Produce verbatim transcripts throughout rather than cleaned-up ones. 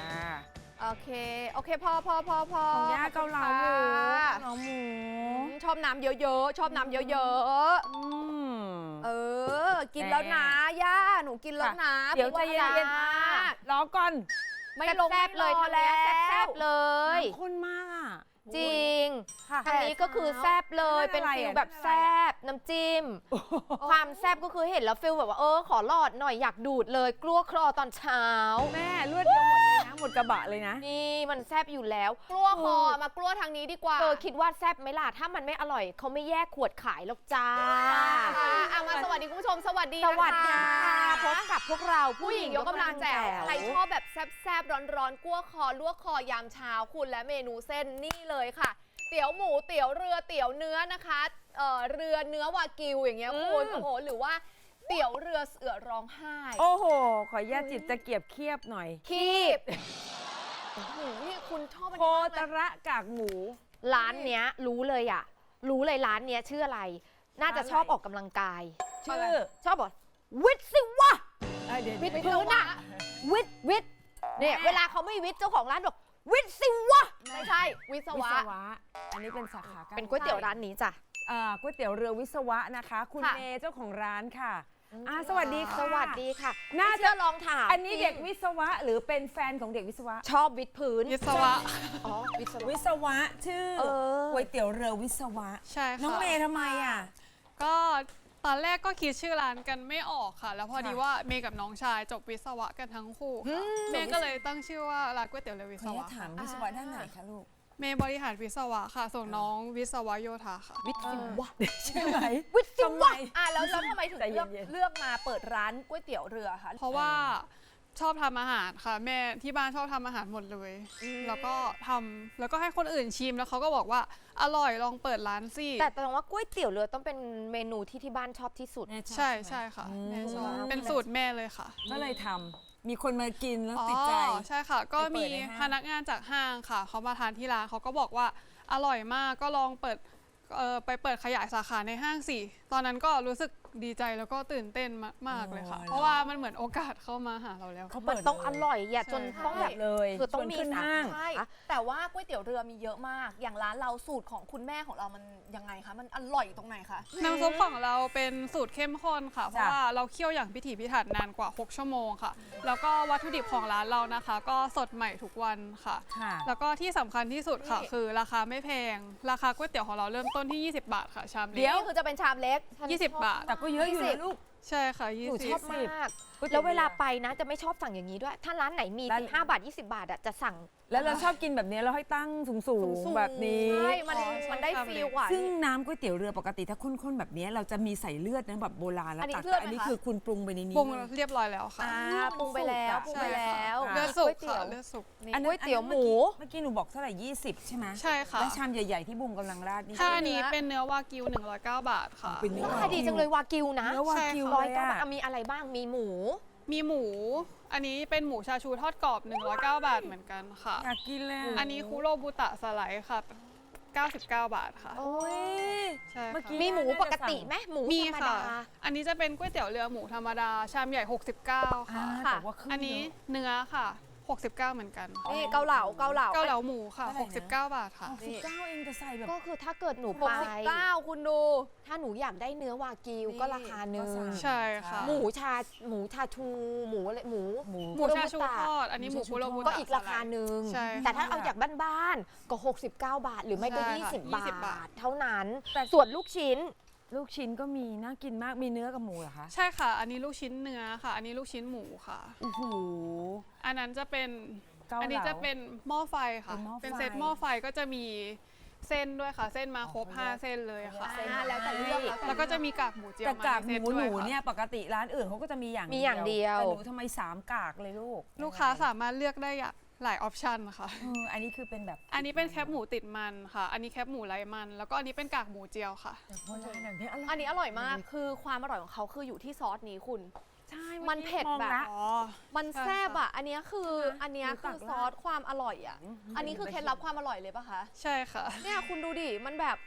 โอเคโอเคพอพอพอพอของย่าเกาเหลาหมูเกาเหลาหมูชอบน้ำเยอะๆชอบน้ำเยอะๆอืมเออ กินแล้วนะย่าหนูกินแล้วนะเดี๋ยวใจเย็นๆมากรอก่อนไม่ลงแซ่บเลยทางนี้แซ่บๆเลยน้ำข้นมากอ่ะจริงค่ะทางนี้ก็คือแซ่บเลยนั่เป็นนอะไรฟิลอ่ะแบบแซ่บน้ำจิ้ม ความแซ่บก็คือเห็นแล้วฟิลแบบว่าเออขอหลอดหน่อยอยากดูดเลยกลัวคลอตอนเช้าแม่เลือดเดียวหมดเลยนะหมดกระบะเลยนะนี่มันแซ่บอยู่แล้ว กลัวคอมากลัวทางนี้ดีกว่าเธอคิดว่าแซ่บไหมล่ะถ้ามันไม่อร่อยเขาไม่แยกขวดขายหรอกจ้าอ่ะมาสวัสดีคุณผู้ชมสวัสดีสวัสดีค่ะค่ะพบกับพวกเราผู้หญิงยกกำลังแจ๋วใครชอบแบบแซ่บๆร้อนๆกลัวคอลวกคอยามเช้าคุณและเมนูเส้นนี่เลยค่ะ เตี๋ยวหมูเตี๋ยวเรือเตี๋ยวเนื้อนะคะเอ่อเรือเนื้อวากิวอย่างเงี้ยคุณโอ้โหหรือว่าเตี๋ยวเรือเสือร้องไห้โอ้โห ขออนุญาตจิบตะเกียบเคียบหน่อยคีบโอ้โหนี่คุณชอบอันโคนี้มากตเลยระกากหมูร้านเนี้ยรู้เลยอ่ะ รู้เลยร้านเนี้ยชื่ออะไร น่าจะชอบออกกำลังกายชื่อชอบบอกวิทย์สิวะเอ้ยเดี๋ยววิทย์เดี๋ยวพื้นอะวิทย์วิทย์เนี่ยเวลาเขาไม่วิทย์เจ้าของร้านบอกวิทย์สิวะไม่ใช่วิศวิวะศวะ อันนี้เป็นสาขาการเป็นก๋วยเตี๋ยวร้านนี้จ้ะอ่าก๋วยเตี๋ยวเรือวิศวะนะคะ คุณค่ะเมย์เจ้าของร้านค่ะอ่าสวัสดีค่ะสวัสดีค่ะน่าไม่จะเชื่อลองถามอันนี้เด็กวิศวะหรือเป็นแฟนของเด็กวิศวะชอบวิทย์พื้นวิศวะอ๋อวิศวะวิศวะชื่อเออก๋วยเตี๋ยวเรือวิศวะใช่ค่ะน้องเมย์ทำไมอ่ะก็ตอนแรกก็คิดชื่อร้านกันไม่ออกค่ะ แล้วพอดีค่ะว่าเมย์กับน้องชายจบวิศวะกันทั้งคู่ค่ะเมย์ก็เลยตั้งชื่อว่าร้านก๋วยเตี๋ยวเรือวิขศออนุวะญาตถามวิศวะด้านไหนคะลูกเมย์บริหารวิศวะค่ะ ส่วนน้องวิศวะโยธาค่ะวิทย์สิวะใช่ไหมวิทย์สิทำไมวะอ่ะแล้วแล้วทำไมถึงใจเย็เลือกนๆเลือกมาเปิดร้านก๋วยเตี๋ยวเรือคะเพราะว่าชอบทำอาหารค่ะ แม่ที่บ้านชอบทำอาหารหมดเลย แล้วก็ทำแล้วก็ให้คนอื่นชิมแล้วเขาก็บอกว่าอร่อยลองเปิดร้านสิแต่แสดงว่าก๋วยเตี๋ยวเรือต้องเป็นเมนูที่ที่บ้านชอบที่สุดแม่ชอบใช่ไหมใช่ค่ะอืมแม่ชอบเป็นสูตรแม่เลยค่ะก็เลยทำมีคนมากินแล้วติดใจอ๋อใช่ค่ะ ก็ไปเปิมีดในห้างพนักงานจากห้างค่ะเขามาทานที่ร้านเขาก็บอกว่าอร่อยมากก็ลองเปิดเอ่อไปเปิดขยายสาขาในห้างสิตอนนั้นก็รู้สึกดีใจแล้วก็ตื่นเต้นมากๆเลยค่ะ เพราะว่ามันเหมือนโอกาสเข้ามาหาเราแล้วเขามัเปินดต้องอร่อยอย่าจนใช่ต้องแบบเลยคือต้องชวนมีขึ้นสาห้างขาใช่แต่ว่าก๋วยเตี๋ยวเรือมีเยอะมาก อย่างร้านเราสูตรของคุณแม่ของเรามันยังไงคะ มันอร่อยตรงไหนคะน้ำซุปของเราเป็นสูตรเข้มข้นค่ะ เพจ้ะราะว่าเราเคี่ยวอย่างพิถีพิถันนานกว่า หก ชั่วโมงค่ะ แล้วก็วัตถุดิบของร้านเรานะคะ ก็สดใหม่ทุกวันค่ะค่ะแล้วก็ที่สำคัญที่สุดค่ะ คือราคาไม่แพง ราคาก๋วยเตี๋ยวของเราเริ่มต้นที่ ยี่สิบบาทค่ะ ชามเดี๋เล็ยวกคือจะเป็นชามเล็กยี่สิบบาทแต่ก็เยอะอยู่นะลูกใช่ค่ะหนูชอบยี่สิบมากก๋วยเตี๋ยวแล้วเวลาไปนะจะไม่ชอบสั่งอย่างนี้ด้วย ถ้าร้านไหนมีร้านสิบห้าบาท ยี่สิบบาทอะจะสั่งแล้วเราชอบกินแบบนี้เราให้ตั้งสูงสูงๆๆแบบนี้ใช่มันอ๋อมันได้ใช่ฟีลกว่าซึ่งน้ำก๋วยเตี๋ยวเรือปกติถ้าข้นๆแบบนี้เราจะมีใส่เลือดนะแบบโบราณแล้วอันนี้ตักเลือดแต่อันนี้ไหมคะคือคุณปรุงไปในนี้ปรุงเลยเรียบร้อยแล้วค่ะอ่าปรุงไปแล้วปรุงไปแล้วค่ะเลือดสุกก๋วยเตี๋ค่ะยวเลือดสุกนี่อันนั้นก๋วยเตี๋ยวหมูเมื่อกี้หนูบอกเท่าไหร่ยี่สิบใช่ไหมใช่ค่ะแล้วชามใหญ่ๆที่บุมกำลังราดนี่ถ้าอันนี้เป็นเนื้อวากิวหนึ่งร้อยเก้าบาทค่ะเป็นเนื้อขายดีจังเลยวากิวนะเนื้อวากิวร้อยเลยเก้าอะบาทอ่ะมีอะไรบ้างมีหมูมีหมู อันนี้เป็นหมูชาชูทอดกรอบหนึ่งร้อยเก้าบาทเหมือนกันค่ะอยากกินเลยอันนี้คุโรบุตะสไลด์ค่ะเก้าสิบเก้าบาทค่ะโอ้ยใช่เมื่อกี้ค่ะมีหมูปกติไหมหมูมีธรรมค่ะดาอันนี้จะเป็นก๋วยเตี๋ยวเรือหมูธรรมดา ชามใหญ่ หกสิบเก้าอ่าค่ะแต่ว่าครึ่งอันนี้เยอะเนื้อค่ะ หกสิบเก้าเหมือนกันนี่เกาเหลาเกาเหลาเกาเหลาหมูค่ะเท่าไหร่นะหกสิบเก้าบาทค่ะหกสิบเก้าเองแต่ใส่แบบก็คือถ้าเกิดหนูหไปกสิบเก้าคุณดูถ้าหนูอยากได้เนื้อวากิวก็ราคาหนึ่งก็สั่งใช่ค่ะหมูชาหมูชาชูหมูอะไรหมูหมูหมูชาชูทอด อันนี้หมูคุโรบุตะก็อีกราคาหนึ่งใช่ค่ะแต่ถ้าเอาจากบ้านๆก็ หกสิบเก้า บาท หรือไม่ก็ใช่ค่ะยี่สิบยี่สิบบาบาททเท่านั้นแต่ส่วนลูกชิ้นลูกชิ้นก็มีน่ากินมากมีเนื้อกับหมูเหรอคะใช่ค่ะ อันนี้ลูกชิ้นเนื้อค่ะ อันนี้ลูกชิ้นหมูค่ะโอ้โหอันนั้นจะเป็นเกาเหลาอันนี้จะเป็นหม้อไฟค่ะเป็นหม้อไฟเป็นเซตหม้อไฟก็จะมีเส้นด้วยค่ะ เส้นมาครบอ๋อห้าเส้นเลยค่ะอ่าแล้วแต่เลือกแล้วแต่แล้วก็จะมีกากหมูเจียวแต่มากากในหเซตมูด้หวยนูค่ะเนี่ยปกติร้านอื่นเขาก็จะมีอย่างมีอย่างเดียวแต่หนูทำไมสามกากเลยลูกลูกค้าสามารถเลือกได้อย่างหลายออปชันค่ะเอออันนี้คือเป็นแบบอันนี้เป็นแคบหมูติดมันค่ะ อันนี้แคบหมูไร้มัน แล้วก็อันนี้เป็นกากหมูเจียวค่ะแบบโบราณแบบนี้อร่อยอันนี้อร่อยมาก คือความอร่อยของเขาคืออยู่ที่ซอสนี้คุณใช่มันเผ็ดมองแบบละอ๋อมันใช่แซ่บค่ะอ่ะ อันเนี้ยคือ อันเนี้ยหนูตัคืกอซอสความอร่อยอ่ะอืมอันนี้คือเคล็ดลับความอร่อยเลยปะคะใช่ค่ะเนี่ยคุณดูดิ มันแบบค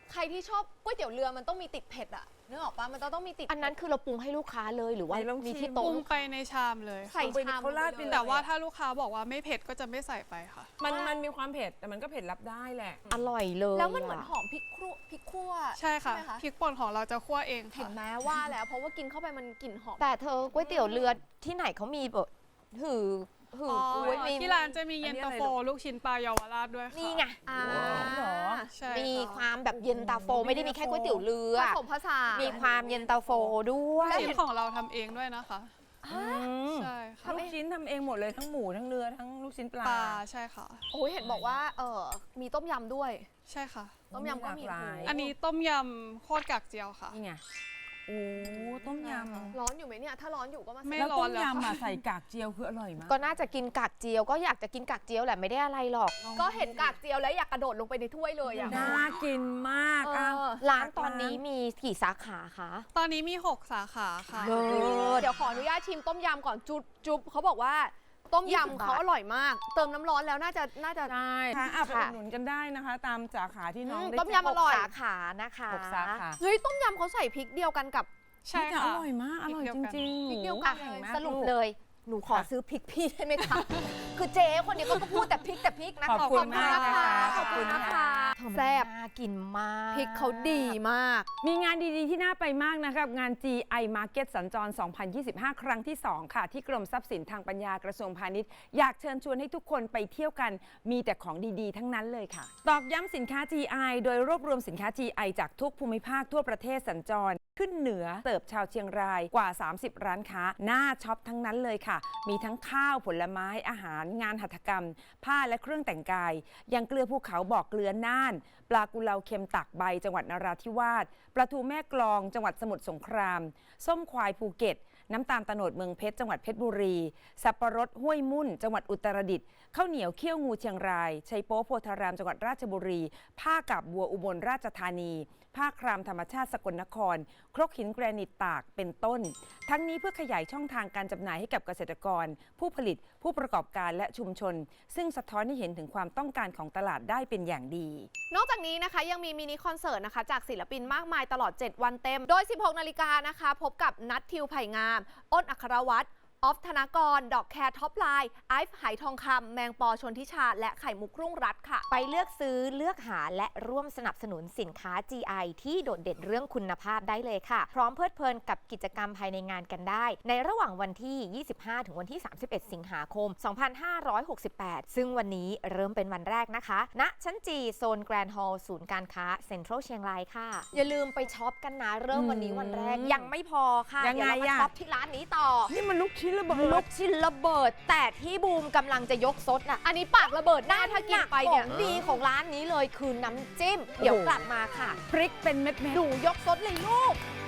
ใครที่ชอบก๋วยเตี๋ยวเรือมันต้องมีติดเผ็ดอะนึกออกปะมันต้องต้องมีติดอันนั้นคือเราปรุงให้ลูกค้าเลยหรือว่าไหนลองมีชิที่มโต๊ะปรุงลูกไปค้าในชามเลยค่ะใส่ไปชามเขาราดเป็นแต่ว่าถ้าลูกค้าบอกว่าไม่เผ็ดก็จะไม่ใส่ไปค่ะมันมันมีความเผ็ดแต่มันก็เผ็ดรับได้แหละอร่อยเลยแล้วมันเหมือนอะหอมพริกครัวพริกคั่วใช่ค่ะไหมคะพริกป่นของเราจะคั่วเองเห็ค่ะนไหมว่าแล้วเพราะว่ากินเข้าไปมันกลิ่นหอมแต่เธอก๋วยเตี๋ยวเรือที่ไหนเขามีแบบหือหืออ๋อก๋วยมีที่ร้านจะมีเย็นตาโฟลูกชิ้นปลาเยาวราชด้วยค่ะนี่ไงอ่าเหรอใช่มีค่ะความแบบเย็นตาโฟไม่ได้มีแค่ก๋วยเตี๋ยวเรือผสมผสานมีความเย็นตาโฟด้วยลูกชิ้นของเราทำเองด้วยนะคะอืมใช่ค่ะลูกชิ้นทำเองหมดเลยทั้งหมูทั้งเนื้อทั้งลูกชิ้นปลาปลาใช่ค่ะโอ้ยเห็นบอกว่าเออมีต้มยำด้วยใช่ค่ะต้มยำก็มีหลากหลายโโหอันนี้ต้มยำโคตรกากเจียวค่ะนี่ไงโอ้ต้มยำร้อนอยู่ไหมเนี่ย ถ้าร้อนอยู่ก็มาไม่ใส่แล้วร้ต้อนมแล้วค่ะยำอ่ะใส่กากเจียวคืออร่อยมากก็น่าจะกินกากเจียวก็อยากจะกินกากเจียวแหละไม่ได้อะไรหรอกก็เห็นกากเจียวแล้วอยากกระโดดลงไปในถ้วยเลยอ่ะน่ากินมากเออ่ะอร้านตอนนี้มีกี่สาขาคะตอนนี้มี หก สาขาค่ะเลิศเดี๋ยวขออนุญาตชิมต้มยำก่อนจุ๊บจุ๊บเขาบอกว่าต้มยี่สิบยำบาทเขาอร่อยมาก เติมน้ำร้อนแล้วน่าจะน่าจะใช่ค่ะอ่ะไปอุค่ะดหนุนกันได้นะคะ ตามสาขาที่น้องอืมได้ต้มยำ อร่อยสาขานะคะหกสาขาเฮ้ยต้มยำเขาใส่พริกเดียวกันกับใช่แต่ค่ะอร่อยมากอร่อยจริงๆพริกเดียวหกัมูนแข็งมากสรุปลูกเลย หนูขอซื้อพริกพี่ได้ไหมคะ คือเจ๊คนนี้ก็พูดแต่พริกแต่พริกนะขอบคุณมากนะคะขอบคุณนะคะเธอมันแซ่บน่ากินมากพริกเขาดีมากมีงานดีๆ ที่น่าไปมากนะครับ งาน จี ไอ Market สัญจร สองพันยี่สิบห้า ครั้งที่ สอง ค่ะ ที่กรมทรัพย์สินทางปัญญากระทรวงพาณิชย์ อยากเชิญชวนให้ทุกคนไปเที่ยวกัน มีแต่ของดีๆ ทั้งนั้นเลยค่ะ ตอกย้ำสินค้า จี ไอ โดยรวบรวมสินค้า จี ไอ จากทุกภูมิภาคทั่วประเทศสัญจร ขึ้นเหนือเติบชาวเชียงรายกว่า สามสิบ ร้านค้าน่าช็อปทั้งนั้นเลยค่ะ มีทั้งข้าวผลไม้อาหารงานหัตถกรรม ผ้าและเครื่องแต่งกายยังเกลือภูเขาบอกเกลือน่าน ปลากุเลาเค็มตักใบจังหวัดนราธิวาสปลาทูแม่กลองจังหวัดสมุทรสงคราม ส้มควายภูเก็ต น้ำตาลตะโนดเมืองเพชรจังหวัดเพชรบุรีสับปะรดห้วยมุ่นจังหวัดอุตรดิตถ์ข้าวเหนียวเขี้ยวงูเชียงรายชัยโป๊โพธารามจังหวัดราชบุรี ผ้ากาบบัวอุบลราชธานี ผ้าครามธรรมชาติสกลนคร ครกหินแกรนิตตากเป็นต้น ทั้งนี้เพื่อขยายช่องทางการจำหน่ายให้กับเกษตรกร ผู้ผลิตผู้ประกอบการและชุมชน ซึ่งสะท้อนให้เห็นถึงความต้องการของตลาดได้เป็นอย่างดีนอกจากนี้นะคะยังมีมินิคอนเสิร์ตนะคะจากศิลปินมากมายตลอด เจ็ด วันเต็ม โดย สิบหก นาฬิกานะคะ พบกับนัททิวไผ่งาม อ้นอัครวัฒน์ออฟธนากร ดอกแคร์ท็อปไลน์ไอฟ์ไหทองคำแมงปอชนทิชา และไข่มุกรุ่งรัตน์ค่ะไปเลือกซื้อเลือกหาและร่วมสนับสนุนสินค้า จี ไอ ที่โดดเด่นเรื่องคุณภาพได้เลยค่ะ พร้อมเพลิดเพลินกับกิจกรรมภายในงานกันได้ ในระหว่างวันที่ ยี่สิบห้า ถึงวันที่ สามสิบเอ็ด สิงหาคม สองพันห้าร้อยหกสิบแปด ซึ่งวันนี้เริ่มเป็นวันแรกนะคะ ณ ชั้นจีโซนแกรนด์ฮอลล์ศูนย์การค้าเซ็นทรัลเชียงรายค่ะ อย่าลืมไปช็อปกันนะ เริ่มวันนี้วันแรกอืมยังไม่พอค่ะยังไงเดี๋ยวเรามาอะช็อปที่ร้านนี้ต่อนี่มันลูกชิ้นระเบิลูดกชิ้นระเบิด แต่ที่บูมกำลังจะยกซดน่ะอันนี้ปากระเบิดหน้าถ้ากินไปเนี่ยของดีของร้านนี้เลยคือน้ำจิ้ม เดี๋ยวกลับมาค่ะพริกเป็นเม็ดๆหนูยกซดเลยลูกอ